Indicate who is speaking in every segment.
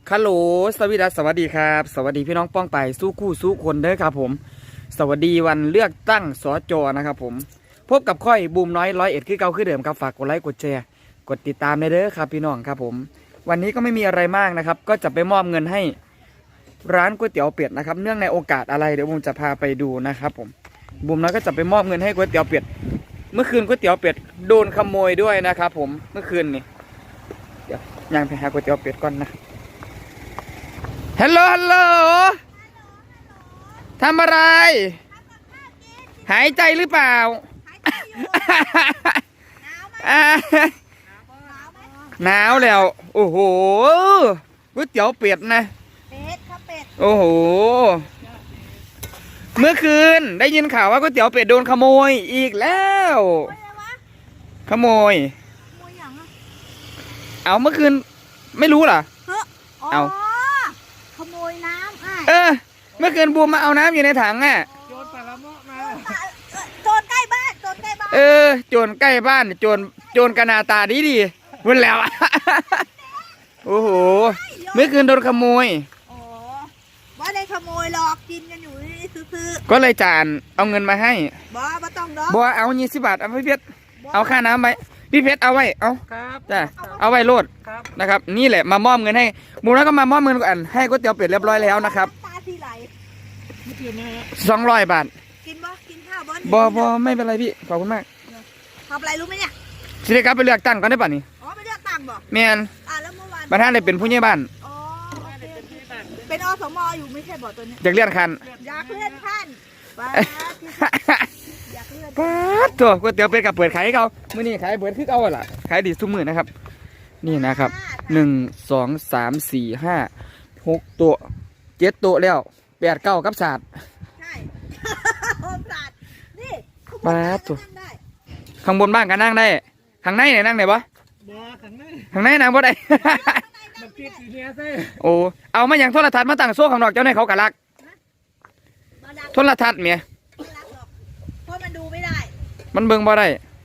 Speaker 1: ฮัลโหลสวัสดีครับสวัสดีพี่น้องป้องไปสู้คู่สู้คนเด้อครับผมสวัสดีวันเลือกตั้งสจนะครับผมพบกับค่อยบูมน้อย101คือเก่าคือเดิมครับฝากกดไลค์กดแชร์กดติดตามเด้อครับพี่น้องครับผมวันนี้ก็ไม่มีอะไรมากนะครับก็จะไปมอบเงินให้ร้านก๋วยเตี๋ยวเป็ดนะครับเนื่องในโอกาสอะไรเดี๋ยวบูมจะพาไปดูนะครับผมบูมน้อยก็จะไปมอบเงินให้ก๋วยเตี๋ยวเป็ดเมื่อคืนก๋วยเตี๋ยวเป็ดโดนขโมยด้วยนะครับผมเมื่อคืนนี่เดี๋ยวยังไปหาก๋วยเตี๋ยวเป็ดก่อนนะฮัลโหลทำอะไรหายใจหรือเปล่าหนาวแล้วโอ้โหก๋วยเตี๋ยวเป็ดนะเป็ดครับเป็ดโอ้โหเมื่อคืนได้ยินข่าวว่าก๋วยเตี๋ยวเป็ดโดนขโมยอีกแล้วขโมยเอาเมื่อคืนไม่รู้เหรอเอา
Speaker 2: ขโมยน้ำ
Speaker 1: เมื่อคืนบูมมาเอาน้ำอยู่ในถังอ่ะ
Speaker 2: โจรปลาละเมาะมาโจรใกล้บ้านโจรใกล้บ้าน
Speaker 1: โจรใกล้บ้านโจรกระนาตาดีวุ่นแล้วโอ้โหเมื่อคืนโดนขโมย
Speaker 2: อ๋อว่าได้ขโมยหรอกกินกันอยู่นี่ซื้อ
Speaker 1: ก็เลยจานเอาเงินมาให้
Speaker 2: บ่ต้องดอก
Speaker 1: บ่เอา20 บาทเอาพี่เพชรเอาค่าน้ำไปพี่เพชรเอาไว้เอาจ้ะเอาไว้โลดนะครับนี่แหละมามอบเงินให้บูมแล้วก็มามอบเงินกันให้ก๋วยเตี๋ยวเป็ดเรียบร้อยแล้วนะครับ200 บาท
Speaker 2: กินบ่กินข้าวบ่
Speaker 1: ไม่เป็นไรพี่ขอบคุณมาก
Speaker 2: ทำอะไรรู้ไหมเนี่ย
Speaker 1: สิได้กลับไปเลือกตั้งก่อนได้ป่ะนี่
Speaker 2: อ๋อไปเลือกตั้งบ่
Speaker 1: แม่น
Speaker 2: แล้วเมื่อวาน
Speaker 1: ประธานได้เป็นผู้ใหญ่บ้าน
Speaker 2: อ๋อเป็นอสมอยู่ไม่ใช่บ่ตัวนี้
Speaker 1: อยากเลื่อนขั้น
Speaker 2: อยากเลื่อนขั้น
Speaker 1: ป้าตัวก๋วยเตี๋ยวเป็ดกับเปิดขายให้เขามื้อนี้ขายเปิดคือเอาล่ะขายดีทุกมื้อนะครับนี่นะครับ1 2 3 4 5 6โต๊ะ7โต๊ะแล้ว8 9กับศาสตร์
Speaker 2: ใช่ศาสตร์นี่
Speaker 1: ป้าตัวข้างบนบ้านก็นั่งได้ข้างในไหนนั่งไหนบ่ข้างในนั่งบ่ได้โอ้เอามาอย่างโทรทัศน์มาตั้งโซ่ข้างนอกเจ้าในเขากะลักโทรทัศน์เมีย
Speaker 2: เพราะมันดูไม่ได้
Speaker 1: มันเบิ่งบ่ได้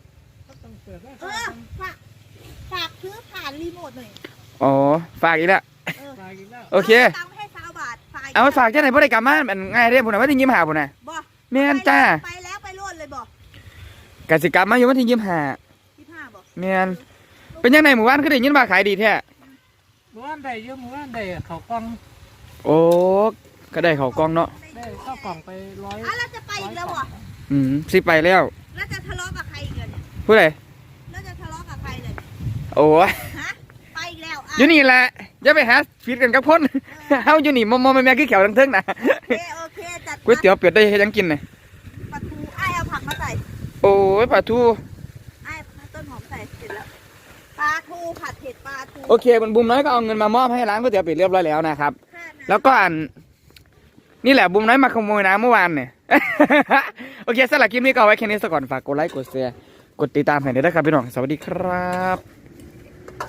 Speaker 2: ฝากซื้อผ่านรีโมทหน่อย
Speaker 1: อ๋อฝากอีกแล้วโอเคเอาฝากเจ้าไหนบ่ได้กลับมามันง่ายเด้พุ่นน่ะวันที่25พุ่นน่ะแม่นจ้า
Speaker 2: ไปแล้วไปโลดเลยบ่
Speaker 1: กสิกรรมมาอยู่วันที่25บ่แม่นเป็นยังไงหมู่บ้านคือได้ยินว่าขายดีแท้
Speaker 3: หมู่บ้านได้เยอะหมู่บ้านได้เขากล้อง
Speaker 1: โอ้ก็ได้เขากล้องเนาะ
Speaker 3: ได้เข้ากล่องไป100
Speaker 2: แล้วจะไปอีกแล้วบ่
Speaker 1: สิไปแล้ว
Speaker 2: แล้วจะทะเลาะกับใครอีกเนี่ย
Speaker 1: ผู้ใด
Speaker 2: แล้วจะทะเลาะกับใครเลย
Speaker 1: โอ้
Speaker 2: ยไปอีกแล้ว
Speaker 1: อยู่นี่แหละอย่าไปหาฟีดกันกับพ่นเฮาอยู่นี่มอแม่คือแขวทั้งเทิงนะ
Speaker 2: โอเคจัด
Speaker 1: ก๋วยเตี๋ยวเป็ดได้ยังกินเลย
Speaker 2: ปลาทูเอาผักมาใส่
Speaker 1: โอ้ยปลาทู
Speaker 2: ต้นหอมใส่เสร็จแล้วปลาทูผัดเผ็ดปลาทู
Speaker 1: โอเคบนบุมน้อยก็เอาเงินมามอบให้ร้านก๋วยเตี๋ยวเป็ดเรียบร้อยแล้วนะครับแล้วก็นี่แหละบุมน้อยมาขโมยน้ำเมื่อวานเนี่ยโอเคสำหรับคลิปนี้ก็เอาไว้แค่นี้ซะก่อนฝากกดไลค์กดแชร์กดติดตามให้ด้วยนะครับพี่น้องสวัสดีครับ